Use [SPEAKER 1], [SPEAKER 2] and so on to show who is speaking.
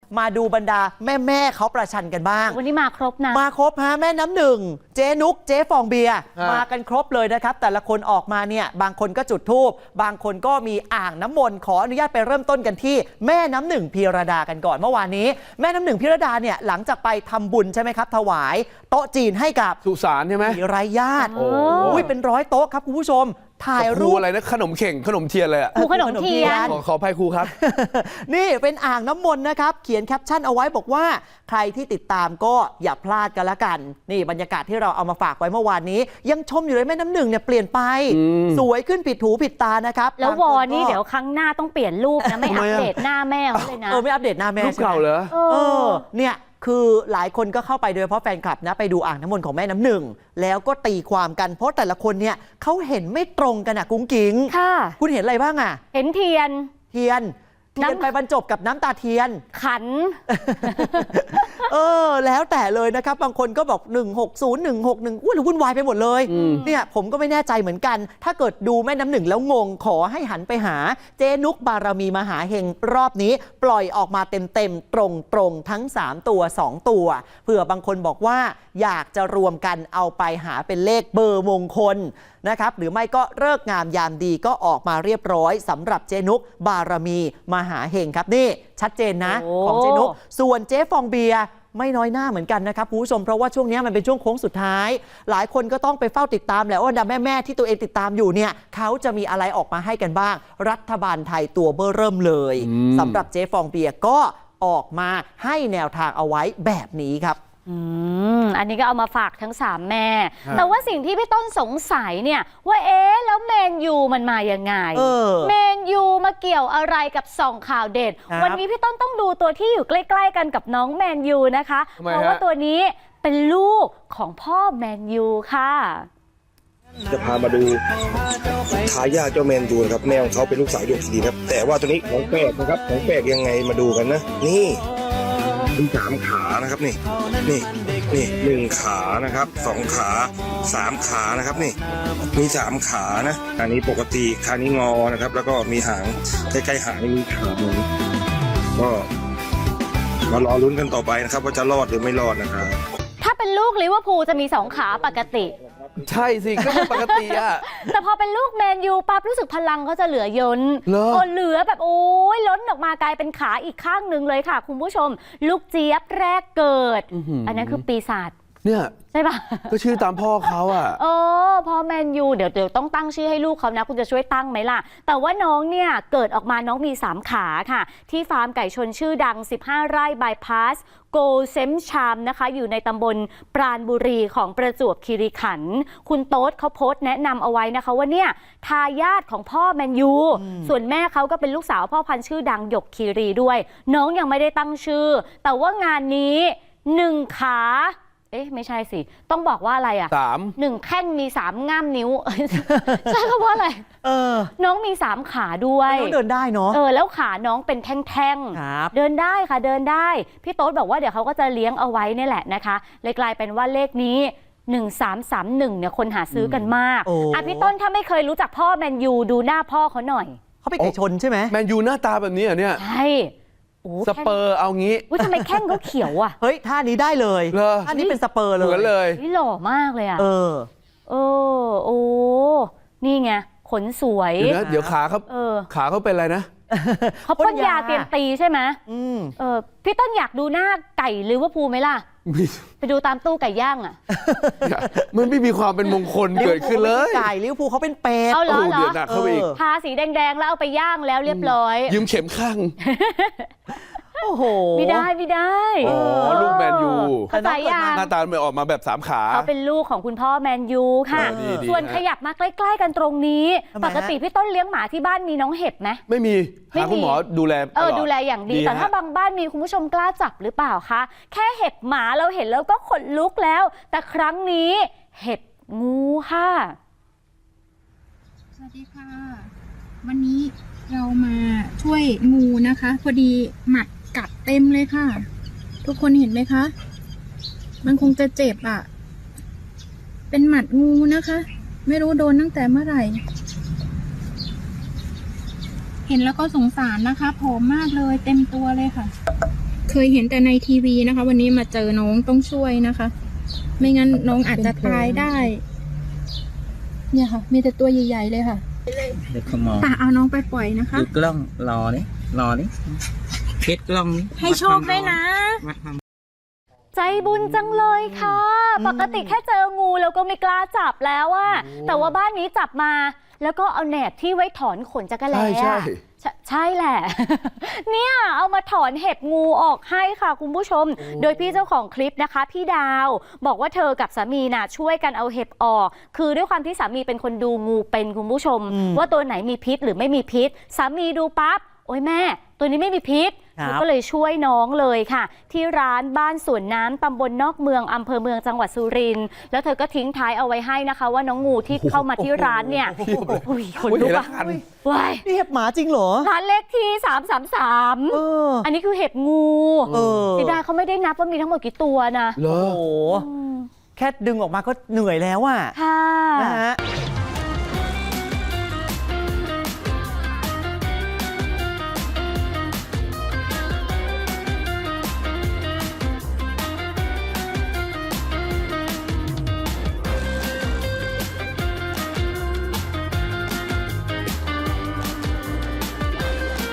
[SPEAKER 1] มาดูบรรดาแม่เขาประชันกันบ้าง
[SPEAKER 2] วันนี้มาครบนะ
[SPEAKER 1] มาครบฮะแม่น้ำหนึ่งเจ๊นุกเจ๊ฟองเบียร์มากันครบเลยนะครับแต่ละคนออกมาเนี่ยบางคนก็จุดธูปบางคนก็มีอ่างน้ำมนต์ขออนุญาตไปเริ่มต้นกันที่แม่น้ำหนึ่งพีระดากันก่อนเมื่อวานนี้แม่น้ำหนึ่งพีระดาเนี่ยหลังจากไปทำบุญใช่ไหมครับถวายโต๊ะจีนให้กับ
[SPEAKER 3] สุสานใช่ไหม
[SPEAKER 1] ไร้ญาติเป็น100 โต๊ะครับคุณผู้ชมถ่ายรูป
[SPEAKER 3] อะไรนะขนมเข่งขนมเทียนเลยอ่ะ
[SPEAKER 2] ขนมเทียน
[SPEAKER 3] ขออภัยครูครับ
[SPEAKER 1] นี่เป็นอ่างน้ำมนต์นะครับเขียนแคปชั่นเอาไว้บอกว่าใครที่ติดตามก็อย่าพลาดกันละกันนี่บรรยากาศที่เราเอามาฝากไว้เมื่อวานนี้ยังชมอยู่เลยแม่น้ำหนึ่งเนี่ยเปลี่ยนไปสวยขึ้นผิดหูผิดตานะครับ
[SPEAKER 2] แล้ววอนี่เดี๋ยวครั้งหน้าต้องเปลี่ยนรูปนะไม่อัปเดตหน้าแม่เลยนะ
[SPEAKER 1] ไม่อัปเดตหน้าแม่
[SPEAKER 3] รูปเก่าเหรอ
[SPEAKER 1] เนี่ยคือหลายคนก็เข้าไปโดยเฉพาะแฟนคลับนะไปดูอ่างน้ำมนต์ของแม่น้ำหนึ่งแล้วก็ตีความกันเพราะแต่ละคนเนี่ยเขาเห็นไม่ตรงกันกุ้งกิ้ง
[SPEAKER 2] ค่ะ
[SPEAKER 1] คุณเห็นอะไรบ้าง
[SPEAKER 2] เห็นเทียน
[SPEAKER 1] ไปบรรจบกับน้ำตาเทียน
[SPEAKER 2] ขัน
[SPEAKER 1] แล้วแต่เลยนะครับบางคนก็บอก160 161วุ่นวายไปหมดเลยเนี่ยผมก็ไม่แน่ใจเหมือนกันถ้าเกิดดูแม่น้ำหนึ่งแล้วงงขอให้หันไปหาเจนุกบารมีมหาเฮงรอบนี้ปล่อยออกมาเต็มตรงทั้ง3ตัว2ตัวเผื่อบางคนบอกว่าอยากจะรวมกันเอาไปหาเป็นเลขเบอร์มงคลนะครับหรือไม่ก็เลิกงามยามดีก็ออกมาเรียบร้อยสำหรับเจนุกบารมีมหาเฮงครับนี่ชัดเจนนะของเจนุกส่วนเจ๊ฟองเบียร์ไม่น้อยหน้าเหมือนกันนะครับคุณผู้ชมเพราะว่าช่วงนี้มันเป็นช่วงโค้งสุดท้ายหลายคนก็ต้องไปเฝ้าติดตามแหละว่าดาแม่ที่ตัวเองติดตามอยู่เนี่ยเขาจะมีอะไรออกมาให้กันบ้างรัฐบาลไทยตัวเบ้อเริ่มเลยสำหรับเจ๊ฟองเบียร์ก็ออกมาให้แนวทางเอาไว้แบบนี้ครับ
[SPEAKER 2] อันนี้ก็เอามาฝากทั้ง3แม่แต่ว่าสิ่งที่พี่ต้นสงสัยเนี่ยว่าแล้วแมนยูมันมายังไงแมนยูมาเกี่ยวอะไรกับส่องข่าวเด็ดวันนี้พี่ต้นต้องดูตัวที่อยู่ใกล้ๆกันกับน้องแมนยูนะคะเพราะว่าตัวนี้เป็นลูกของพ่อแมนยูค่ะ
[SPEAKER 4] จะพามาดูทายาทเจ้าแมนยูนะครับแม่ของเขาเป็นลูกสาวหยกคีรีครับแต่ว่าตัวนี้ของแปลกนะครับของแปลกยังไงมาดูกันนะนี่มี3 ขานะครับนี่1 ขานะครับ2 ขา3 ขานะครับนี่มี3 ขานะอันนี้ปกติขานี้งอนะครับแล้วก็มีหางใกล้ๆหางนี่มีขาหนึ่งก็มารอลุ้นกันต่อไปนะครับว่าจะรอดหรือไม่รอดนะครับ
[SPEAKER 2] ถ้าเป็นลูกลิเวอร์พูลจะมี2 ขาปกติ
[SPEAKER 3] ใช่สิก็ปกติอะ
[SPEAKER 2] แต่พอเป็นลูกแมนยูปั๊บรู้สึกพลังเขาจะเหลือยนเหลือแบบล้นออกมากลายเป็นขาอีกข้างหนึ่งเลยค่ะคุณผู้ชมลูกเจี๊ยบแรกเกิดอันนั้นคือปีศาจ
[SPEAKER 3] เนี่ย
[SPEAKER 2] ใช่ปะ
[SPEAKER 3] ก็ชื่อตามพ่อเขาอ่ะ
[SPEAKER 2] พ่อแมนยูเดี๋ยวต้องตั้งชื่อให้ลูกเขานะคุณจะช่วยตั้งไหมล่ะแต่ว่าน้องเนี่ยเกิดออกมาน้องมี3 ขาค่ะที่ฟาร์มไก่ชนชื่อดัง15 ไร่บายพาสโกเซมชามนะคะอยู่ในตำบลปราณบุรีของประจวบคีรีขันธ์คุณโต๊ดเขาโพสต์แนะนำเอาไว้นะคะว่าเนี่ยทายาทของพ่อแมนยูส่วนแม่เขาก็เป็นลูกสาวพ่อพันธุ์ชื่อดังหยกคีรีด้วยน้องยังไม่ได้ตั้งชื่อแต่ว่างานนี้1 ขาไม่ใช่สิต้องบอกว่าอะไร1 แข้งมี3 ง่ามนิ้วใช่เพราะอะไรน้องมี3 ขาด้วย
[SPEAKER 1] น้องเดินได้เนาะ
[SPEAKER 2] แล้วขาน้องเป็นแท่งๆเดินได้ค่ะเดินได้พี่โต๊ดบอกว่าเดี๋ยวเขาก็จะเลี้ยงเอาไว้นี่แหละนะคะเลยกลายเป็นว่าเลขนี้1331เนี่ยคนหาซื้อกันมากพี่ต้นถ้าไม่เคยรู้จักพ่อแมนยูดูหน้าพ่อเขาหน่อย
[SPEAKER 1] เขาเป็นไก่ชนใช่ไหม
[SPEAKER 3] แมนยูหน้าตาแบบนี้เหรอเนี่ย
[SPEAKER 2] ใช่
[SPEAKER 3] สเปอร์เอางี้
[SPEAKER 2] ทำไมแข้งเขาเขียวอ่ะ
[SPEAKER 1] เฮ้ยท่านี้ได้เลยท่านี้เป็นสเปอร์เลย
[SPEAKER 3] เหมือนเลย
[SPEAKER 2] นี่หล่อมากเลยอ่ะนี่ไงขนสวย
[SPEAKER 3] เดี๋ยวขาเขาเป็นอะไรนะ
[SPEAKER 2] เขาพ่นยาเตรียมตีใช่ไหมพี่ต้นอยากดูหน้าไก่ลิเวอร์พูลไหมล่ะไปดูตามตู้ไก่ย่างอ่ะ
[SPEAKER 3] มันไม่มีความเป็นมงคลเกิดขึ้นเลย
[SPEAKER 1] ไก่ลิเวอร์พูลเขาเป็นเป็ด
[SPEAKER 2] เดื
[SPEAKER 3] อดหนักเข้าไปอีก
[SPEAKER 2] ทาสีแดงๆแล้วเอาไปย่างแล้วเรียบร้อย
[SPEAKER 3] ยืมเข็มข้าง
[SPEAKER 1] โอ้โห
[SPEAKER 2] ไม่ได้
[SPEAKER 3] ลูกแมนยู
[SPEAKER 2] เข้าใจยัง
[SPEAKER 3] หน้าตาไม่ออกมาแบบ3 ขา
[SPEAKER 2] เขาเป็นลูกของคุณพ่อแมนยูค่ะส่วนขยับมาใกล้ๆกันตรงนี้ปกติพี่ต้นเลี้ยงหมาที่บ้านมีน้องเห็บไหม
[SPEAKER 3] ไม่มีหาคุณหมอดูแล
[SPEAKER 2] ดูแลอย่างดีแต่ถ้าบางบ้านมีคุณผู้ชมกล้าจับหรือเปล่าคะแค่เห็บหมาเราเห็นแล้วก็ขนลุกแล้วแต่ครั้งนี้เห็บงูค่ะ
[SPEAKER 5] สวัสดีค่ะวันนี้เรามาช่วยงูนะคะพอดีหมัดกัดเต็มเลยค่ะทุกคนเห็นไหมคะมันคงจะเจ็บอ่ะเป็นหมัดงูนะคะไม่รู้โดนตั้งแต่เมื่อไหร่เห็นแล้วก็สงสารนะคะผอมมากเลยเต็มตัวเลยค่ะเคยเห็นแต่ในทีวีนะคะ วันนี้มาเจอน้องต้องช่วยนะคะ ไม่งั้นน้องอาจจะตายได้ เนี่ยค่ะ มีแต่ตัวใหญ่ๆเลยค่ะ
[SPEAKER 6] เด็กขมอ
[SPEAKER 5] ป่าเอาน้องไปปล่อยนะคะ
[SPEAKER 6] ดูกล้องรอนี่เพชรกล้องนี่
[SPEAKER 5] ให้โชคด้วยนะ
[SPEAKER 6] มาทำ
[SPEAKER 2] ใจบุญจังเลยค่ะ ปกติแค่เจองูแล้วก็ไม่กล้าจับแล้วอะแต่ว่าบ้านนี้จับมา แล้วก็เอาแหนบที่ไว้ถอนขนจักรแล้
[SPEAKER 3] ใช่
[SPEAKER 2] ใช่แหละ เนี่ยเอามาถอนเห็บงูออกให้ค่ะคุณผู้ชม โดยพี่เจ้าของคลิปนะคะ พี่ดาวบอกว่าเธอกับสามีน่ะช่วยกันเอาเห็บออก คือด้วยความที่สามีเป็นคนดูงูเป็นคุณผู้ชม ว่าตัวไหนมีพิษหรือไม่มีพิษสามีดูปั๊บโอ้ยแม่ ตัวนี้ไม่มีพิษ
[SPEAKER 1] ครับ
[SPEAKER 2] เธอก็เลยช่วยน้องเลยค่ะ ที่ร้านบ้านสวนน้ำตำบลนอกเมืองอำเภอเมืองจังหวัดสุรินทร์แล้วเธอก็ทิ้งท้ายเอาไว้ให้นะคะ ว่าน้องงูที่เข้ามาที่ร้านเนี่ยอุ้ยคนลุกอะว้าย
[SPEAKER 1] นี่เห็บหมาจริงเหรอ
[SPEAKER 2] ร้านเลขที่333
[SPEAKER 1] เออ
[SPEAKER 2] อันนี้คือเห็บงู
[SPEAKER 1] เออ
[SPEAKER 2] เสียดายเขาไม่ได้นับว่ามีทั้งหมดกี่ตัวนะ
[SPEAKER 3] เหรอ
[SPEAKER 1] โอ้โห แค่ดึงออกมาก็เหนื่อยแล้วอะ
[SPEAKER 2] ค่ะ
[SPEAKER 1] นะฮะ